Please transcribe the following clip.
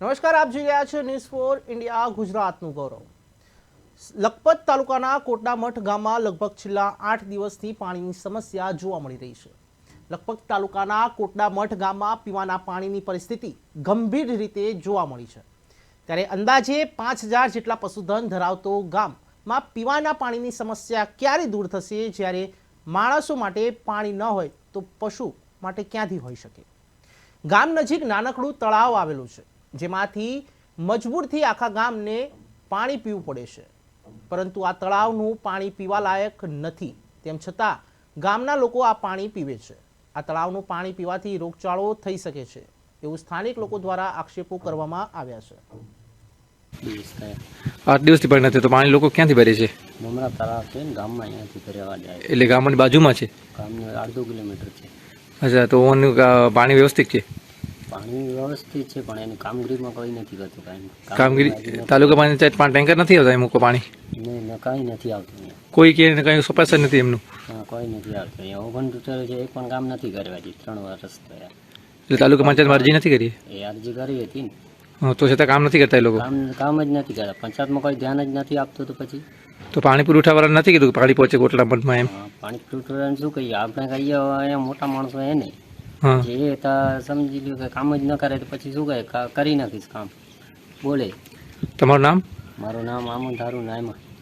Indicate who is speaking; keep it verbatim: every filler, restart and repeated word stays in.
Speaker 1: નમસ્કાર, આપ જોઈ રહ્યા છો ન્યૂઝ ફોર ઇન્ડિયા ગુજરાતનું ગૌરવ. લખપત તાલુકાના કોટડા મઠ ગામમાં લગભગ છેલ્લા આઠ દિવસથી પાણીની સમસ્યા જોવા મળી રહી છે. લખપત તાલુકાના કોટડા મઠ ગામમાં પીવાના પાણીની પરિસ્થિતિ ગંભીર રીતે જોવા મળી છે. ત્યારે અંદાજે પાંચ હજાર જેટલા પશુધન ધરાવતો ગામમાં પીવાના પાણીની સમસ્યા ક્યારે દૂર થશે, જ્યારે માણસો માટે પાણી ન હોય તો પશુ માટે ક્યાંથી હોઈ શકે? ગામ નજીક નાનકડું તળાવ આવેલું છે, જેમાંથી મજબૂરથી આખા ગામને પાણી પીવું પડે છે. પરંતુ આ તળાવનું પાણી પીવા લાયક નથી, તેમ છતાં ગામના લોકો આ પાણી પીવે છે. આ તળાવનું પાણી પીવાથી રોગચાળો થઈ શકે છે એવું સ્થાનિક લોકો દ્વારા આક્ષેપો કરવામાં આવ્યા છે.
Speaker 2: આઠ દિવસથી પાણી નથી તો પાણી લોકો ક્યાંથી ભરે છે?
Speaker 3: મમરા તળાવ છે ને ગામમાં અહીંયાથી ભરવા જાય.
Speaker 2: એટલે ગામની બાજુમાં છે?
Speaker 3: ગામનું અડધો કિલોમીટર છે.
Speaker 2: અચ્છા, તો ઓનું પાણી વ્યવસ્થિત છે?
Speaker 3: પાણી વ્યવસ્થિત છે પણ એની કામગીરીમાં કોઈ નથી કરતું. કાંઈ
Speaker 2: કામગીરી તાલુકા પંચાયત પાંચ ટેન્કર નથી આવતા મૂકો પાણી?
Speaker 3: નહીં, કાંઈ નથી આવતું અહીંયા.
Speaker 2: કોઈ કે કંઈ સપાસ જ નથી એમનું?
Speaker 3: હા, કોઈ નથી આવતું અહીંયા. ઓગણ તૂટેલું છે, એક પણ કામ નથી કરવા દે. ત્રણ વર્ષ થયા.
Speaker 2: એટલે તાલુકા પંચાયતમાં અરજી નથી કરી?
Speaker 3: એ અરજી કરી હતી ને.
Speaker 2: હા, તો છતાં કામ નથી કરતા એ લોકો?
Speaker 3: કામ કામ જ નથી કરતા. પંચાયતમાં કોઈ ધ્યાન જ નથી આપતું. તો પછી
Speaker 2: તો પાણી પુરવઠાવાળા નથી કીધું પાણી પહોંચે કોટડા મઠમાં એમ?
Speaker 3: હા, પાણી પુરવઠાવાળાને શું કહીએ આપણે? કહીએ અહીંયા મોટા માણસો એ નહીં.
Speaker 2: હા,
Speaker 3: જે તા સમજી લ્યો કે કામ જ ન કરે તો પછી શું કહે? કરી નાખીશ કામ. બોલે.
Speaker 2: તમારું નામ?
Speaker 3: મારું નામ આમંદ હારું નાયમા.